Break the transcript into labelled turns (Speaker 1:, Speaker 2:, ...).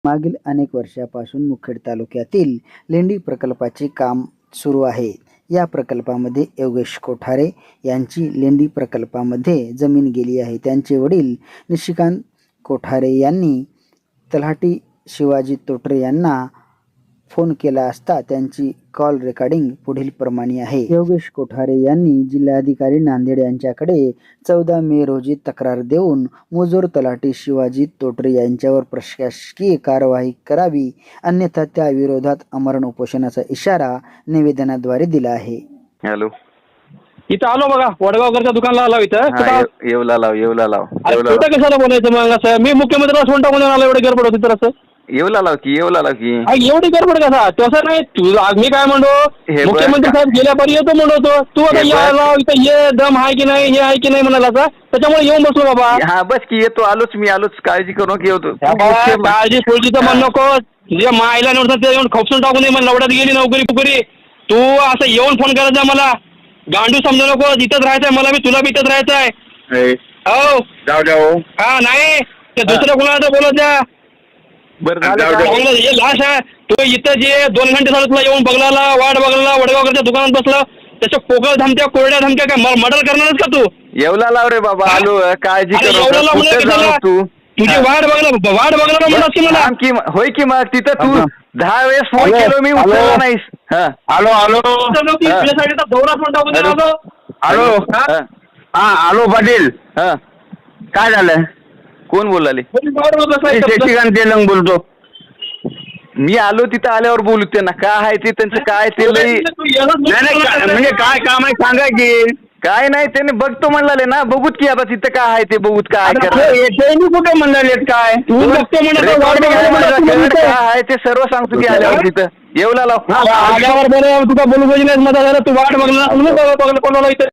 Speaker 1: मागील अनेक वर्षापासून मुखेड तालुक्यातील लेंडी प्रकल्पाचे काम सुरू आहे. या प्रकल्पामध्ये योगेश कोठारे यांची लेंडी प्रकल्पामध्ये जमीन गेली आहे. त्यांचे वडील निशिकांत कोठारे यांनी तलाठी शिवाजी तोटरे यांना फोन केला असता त्यांची कॉल रेकॉर्डिंग पुढील प्रमाणे आहे. योगेश कोठारे यांनी जिल्हाधिकारी नांदेड यांच्याकडे 14 मे रोजी तक्रार देऊन मुजोर तलाठी शिवाजी तोटरे यांच्यावर प्रशासकीय कारवाई करावी, अन्यथा त्या विरोधात आमरण उपोषणाचा इशारा निवेदनाद्वारे दिला आहे.
Speaker 2: हॅलो,
Speaker 3: इथं आलो बघा, वडगावकरच्या दुकानला आलो इथं.
Speaker 2: येवला लाव.
Speaker 3: कुठं कशाला बोलायचं मग असं? मी मुख्यमंत्र्याला फोन टाकून आलो, एवढी गडबड होती तर असं
Speaker 2: येवला लाव की
Speaker 3: एवढी गडबड कसा? तसं नाही, तुझं मी काय म्हणतो, मुख्यमंत्री साहेब गेल्यापर्यंत येतो म्हणतो तू, आता यायला इथं ये, दम आहे की नाही, हे आहे की नाही म्हणाला, त्याच्यामुळे येऊन बसलो बाबा.
Speaker 2: हा बस की येतो, आलोच, काळजी करू नको, येतो.
Speaker 3: काळजी सोडलीचं म्हण नको, तुझ्या मायला नव्हतं ते येऊन खोपसून टाकून दे, लवड्यात गेली नोकरी. तू असं येऊन फोन करायचा मला, गांडू समजू नको. इथंच राहायचंय मला, मी तुला बी इथंच राहायचंय. हो
Speaker 2: जाऊ
Speaker 3: हा, नाही ते दुसरं कोणाला बोलत जा. हे लाश आहे, तू इथं जे 2 घंटे झालं तुला येऊन बघला, वाट बघला, वडगावकरच्या दुकानात बसला, त्याच्या पोकळ धमक्या, कोरड्या धमक्या, काय मर्डर करणारच का तू?
Speaker 2: येवला लाव रे बाबा, आलो, काळजी करू.
Speaker 3: तुझी वाट बघणार म्हणत की मला
Speaker 2: होय की मग तिथं तू 10 वेळेस फोन केलो मी, उचलला नाहीस.
Speaker 3: दौरा फोन टाकून दिला.
Speaker 4: आलो पाटील, काय झालं?
Speaker 2: कोण बोलाले?
Speaker 4: शशिकांत तेलंग बोलतो.
Speaker 2: मी आलो, तिथं आल्यावर बोलू त्यांना काय आहे ते, त्यांचं काय ते लई
Speaker 4: म्हणजे काय काम आहे सांगा की.
Speaker 2: काय नाही, त्याने बघतो म्हणले ना, बघूत की आता तिथं काय आहे ते, बघूत काय
Speaker 4: कुठे म्हणाले काय
Speaker 2: काय आहे ते सर्व सांगतो की आल्यावर तिथं. येवला लाव
Speaker 3: आल्यावर बरं तुला बोलू पाहिजे, तू वाट बघणार.